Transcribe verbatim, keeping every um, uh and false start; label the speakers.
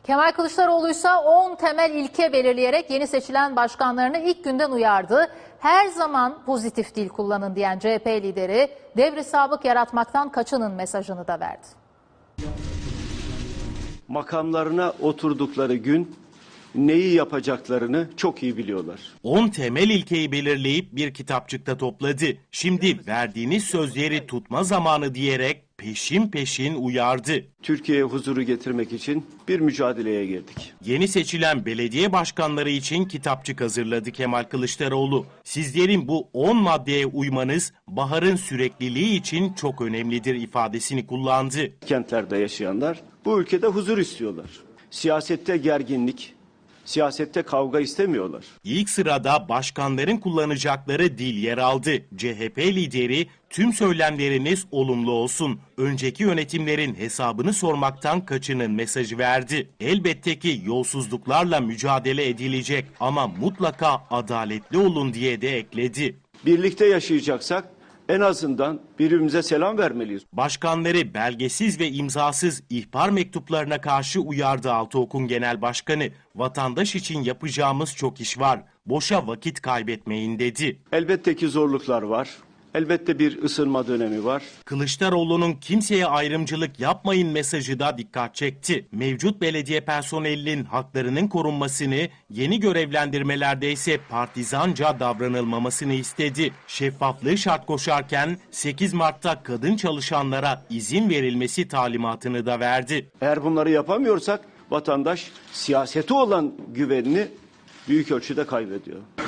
Speaker 1: Kemal Kılıçdaroğlu ise on temel ilke belirleyerek yeni seçilen başkanlarını ilk günden uyardı. Her zaman pozitif dil kullanın diyen C H P lideri devri sabık yaratmaktan kaçının mesajını da verdi.
Speaker 2: Makamlarına oturdukları gün neyi yapacaklarını çok iyi biliyorlar.
Speaker 3: on temel ilkeyi belirleyip bir kitapçıkta topladı. Şimdi verdiğiniz sözleri tutma zamanı diyerek peşin peşin uyardı.
Speaker 2: Türkiye'ye huzuru getirmek için bir mücadeleye girdik.
Speaker 3: Yeni seçilen belediye başkanları için kitapçık hazırladı Kemal Kılıçdaroğlu. Sizlerin bu on maddeye uymanız baharın sürekliliği için çok önemlidir ifadesini kullandı.
Speaker 2: Kentlerde yaşayanlar bu ülkede huzur istiyorlar. Siyasette gerginlik, siyasette kavga istemiyorlar.
Speaker 3: İlk sırada başkanların kullanacakları dil yer aldı. C H P lideri tüm söylemleriniz olumlu olsun. Önceki yönetimlerin hesabını sormaktan kaçının mesajı verdi. Elbette ki yolsuzluklarla mücadele edilecek ama mutlaka adaletli olun diye de ekledi.
Speaker 2: Birlikte yaşayacaksak en azından birbirimize selam vermeliyiz.
Speaker 3: Başkanları belgesiz ve imzasız ihbar mektuplarına karşı uyardı Altıok'un genel başkanı. Vatandaş için yapacağımız çok iş var. Boşa vakit kaybetmeyin dedi.
Speaker 2: Elbette ki zorluklar var. Elbette bir ısınma dönemi var.
Speaker 3: Kılıçdaroğlu'nun kimseye ayrımcılık yapmayın mesajı da dikkat çekti. Mevcut belediye personelinin haklarının korunmasını, yeni görevlendirmelerde ise partizanca davranılmamasını istedi. Şeffaflığı şart koşarken sekiz Mart'ta kadın çalışanlara izin verilmesi talimatını da verdi.
Speaker 2: Eğer bunları yapamıyorsak vatandaş siyasete olan güvenini büyük ölçüde kaybediyor.